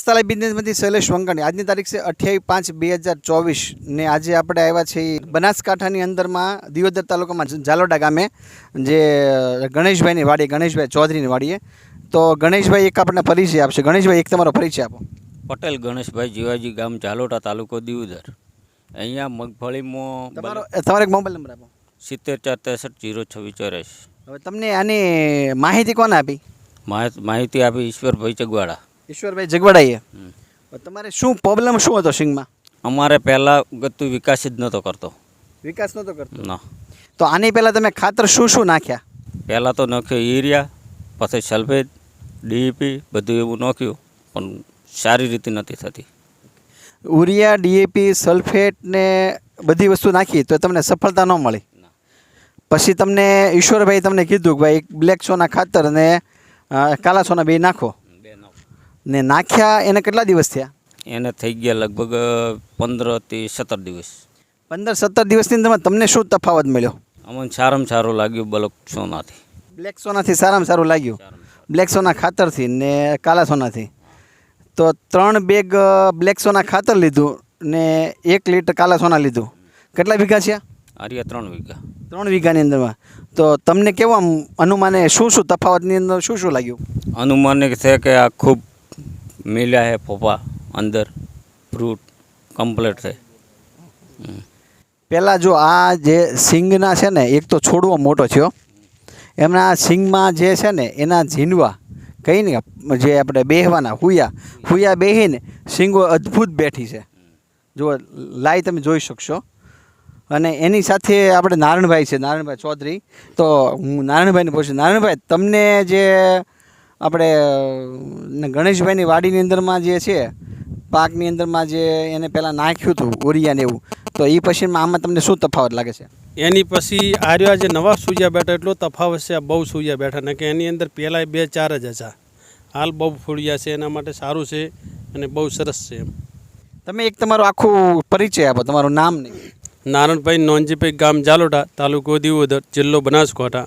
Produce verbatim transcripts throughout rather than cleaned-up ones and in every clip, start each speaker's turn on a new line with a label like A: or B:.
A: સ્થળાય બિઝનેસમાંથી શૈલેષ વંકાણી. આજની તારીખ છે અઠ્યાવીસ પાંચ બે હજાર ચોવીસ ને આજે આપણે આવ્યા છીએ બનાસકાંઠાની અંદરમાં દિયોદર તાલુકામાં ઝાલોડા ગામે જે ગણેશભાઈની વાડી, ગણેશભાઈ ચૌધરીની વાડીએ. તો ગણેશભાઈ એક આપણને પરિચય આપશે. ગણેશભાઈ એક તમારો પરિચય આપો.
B: પટેલ ગણેશભાઈ જીવાજી, ગામ ઝાલોડા, તાલુકો દિયોદર. અહીંયા મગફળીમાં
A: તમારો તમારો એક મોબાઈલ નંબર આપો.
B: સિત્તેર ચાર ત્રેસઠ જીરો છવ્વીસ ચોરાશી.
A: હવે તમને આની માહિતી કોને આપી?
B: માહિતી આપી ઈશ્વરભાઈ ચગવાડા.
A: ઈશ્વરભાઈ જગવાડાઈએ. તમારે શું પ્રોબ્લેમ શું હતો સિંગમાં?
B: અમારે પહેલાં ગતું વિકાસ જ નહોતો કરતો.
A: વિકાસ નહોતો કરતો?
B: ના.
A: તો આની પહેલાં તમે ખાતર શું શું નાખ્યા?
B: પહેલાં તો નાખ્યો યુરિયા, પછી સલ્ફેટ, ડીઈપી બધું એવું નાખ્યું, પણ સારી રીતે નથી થતી.
A: યુરિયા, ડીએપી, સલ્ફેટ ને બધી વસ્તુ નાખી તો તમને સફળતા ન મળી. પછી તમને ઈશ્વરભાઈ તમને કીધું કે ભાઈ એક બ્લેક સોના ખાતર ને કાલા સોના બે નાખો. ને નાખ્યા એને કેટલા દિવસ થયા?
B: એને થઈ ગયા લગભગ પંદરથી સત્તર દિવસ.
A: પંદર સત્તર દિવસની અંદર તમને શું તફાવત મળ્યો?
B: અમને સારામાં સારું લાગ્યું બ્લેક સોનાથી.
A: બ્લેક સોનાથી સારામાં સારું લાગ્યું? બ્લેક સોના ખાતરથી ને કાલા સોનાથી. તો ત્રણ બેગ બ્લેક સોના ખાતર લીધું ને એક લીટર કાલા સોના લીધું. કેટલા વીઘા છે?
B: આર્યા ત્રણ વીઘા.
A: ત્રણ વીઘાની અંદરમાં. તો તમને કેવા અનુમાને શું શું તફાવતની અંદર શું શું લાગ્યું?
B: અનુમાન છે કે આ ખૂબ મિલ્યા છે ફોફા અંદર, ફ્રૂટ કમ્પ્લીટ છે.
A: પહેલાં જો આ જે સિંગના છે ને એક તો છોડવો મોટો થયો, એમના સિંગમાં જે છે ને એના ઝીંડવા કહી ને જે આપણે બેહવાના હુયા હુયા બેહીને સિંગો અદ્ભુત બેઠી છે. જો લાઈ તમે જોઈ શકશો. અને એની સાથે આપણે નારણભાઈ છે, નારણભાઈ ચૌધરી. તો હું નારણભાઈને પૂછું, નારણભાઈ તમને જે આપણે ગણેશભાઈની વાડીની અંદરમાં જે છે પાકની અંદરમાં જે એને પહેલાં નાખ્યું હતું ઓરિયાને એવું, તો એ પછીમાં આમાં તમને શું તફાવત લાગે છે?
C: એની પછી આર્યા જે નવા સૂર્યા બેઠા એટલો તફાવત છે. બહુ સૂર્યા બેઠા ને કે એની અંદર પહેલાં બે ચાર જ હતા, હાલ બહુ ફૂળિયા છે. એના માટે સારું છે અને બહુ સરસ છે. એમ
A: તમે એક તમારું આખું પરિચય આપો, તમારું નામ નહીં.
C: નારણભાઈ નોંજીભાઈ, ગામ ઝાલોડા, તાલુકો દિયોદર, જિલ્લો બનાસકાંઠા.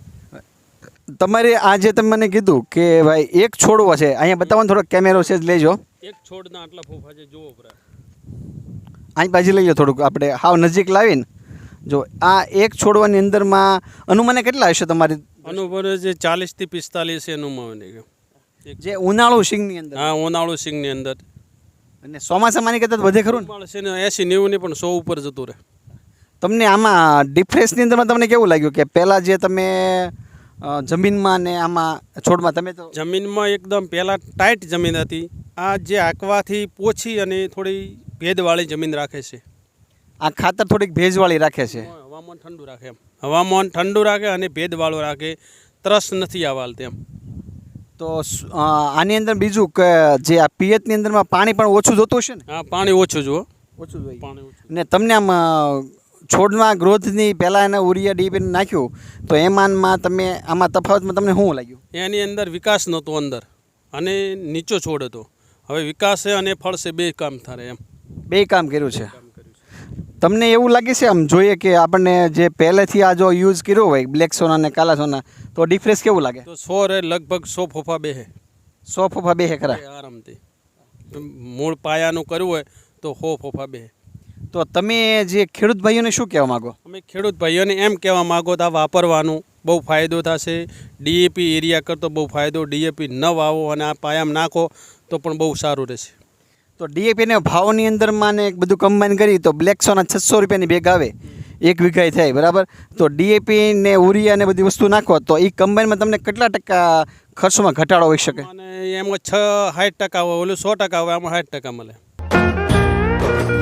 A: તમારે આ જે તમે મને કીધું કે ભાઈ એક છોડવો છે, અહીંયા બતાવો થોડોક કેમેરો છે લેજો.
C: એક છોડના આટલા ફોફા છે, જુઓ પરા.
A: અહીં બાજુ લઈ લો થોડુંક, આપણે હાવ નજીક લાવીને જો આ એક છોડવાની અંદરમાં અનુમાને કેટલા હશે તમારી?
C: અનુભવ જે ચાલીસથી પિસ્તાલીસ છે અનુમાન.
A: જે ઉનાળુ સિંગની અંદર?
C: હા, ઉનાળુ સિંગની અંદર.
A: અને ચોમાસામાંની કરતાં વધે ખરું
C: છે ને? એસી નેવું ની પણ સો ઉપર જતું રહે.
A: તમને આમાં ડિફરન્સની અંદરમાં તમને કેવું લાગ્યું કે પહેલાં જે તમે જમીનમાં ને આમાં છોડમાં તમે તો
C: જમીનમાં એકદમ પહેલાં ટાઈટ જમીન હતી, આ જે આંકવાથી પોછી અને થોડી ભેજવાળી જમીન રાખે છે.
A: આ ખાતર થોડીક ભેજવાળી રાખે છે.
C: હવામાન ઠંડુ રાખે. એમ હવામાન ઠંડુ રાખે અને ભેજવાળું રાખે, ત્રસ નથી આવવાલ તેમ.
A: તો આની અંદર બીજું કે જે આ પિયતની અંદરમાં પાણી પણ ઓછું જોતું હશે ને?
C: હા, પાણી ઓછું જુઓ.
A: ઓછું જોઈએ
C: પાણી ઓછું.
A: ને તમને આમ છોડમાં ગ્રોથની પહેલાં એને ઉરિયા ડીપી નાખ્યું તો એમાંમાં તમે આમાં તફાવતમાં તમને શું લાગ્યું?
C: એની અંદર વિકાસ નહોતો અંદર અને નીચો છોડ હતો. હવે વિકાસ છે અને ફળ છે, બે કામ થાય. એમ
A: બે કામ કર્યું છે. તમને એવું લાગે છે આમ જોઈએ કે આપણને જે પહેલેથી આ જો યુઝ કર્યો હોય બ્લેક સોના અને કાલા સોના, તો ડિફરન્સ કેવું લાગે?
C: તો સો રે લગભગ સો ફોફા બેહે.
A: સો ફોફા બેહે ખરા?
C: આરામથી. મૂળ પાયાનું કરવું હોય તો સો ફોફા બેહે.
A: તો તમે જે ખેડૂત ભાઈઓને શું કહેવા માગો?
C: અમે ખેડૂત ભાઈઓને એમ કહેવા માગો તો આ વાપરવાનું બહુ ફાયદો થશે. ડીએપી એરિયા કરતો બહુ ફાયદો. ડીએપી ન વાવો અને આ પાયામાં નાખો તો પણ બહુ સારું રહેશે.
A: તો ડીએપીને ભાવની અંદરમાં ને બધું કમ્બાઈન કરી તો બ્લેક સોના છસો રૂપિયાની બેગ આવે, એક વીઘાએ થાય બરાબર. તો ડીએપી ને ઉરિયા ને બધી વસ્તુ નાખો તો એ કમ્બાઈનમાં તમને કેટલા ટકા ખર્ચમાં ઘટાડો હોઈ શકે?
C: અને એમાં છ સાઠ ટકા હોય, ઓલું સો ટકા હોય, આમાં સાઠ ટકા મળે.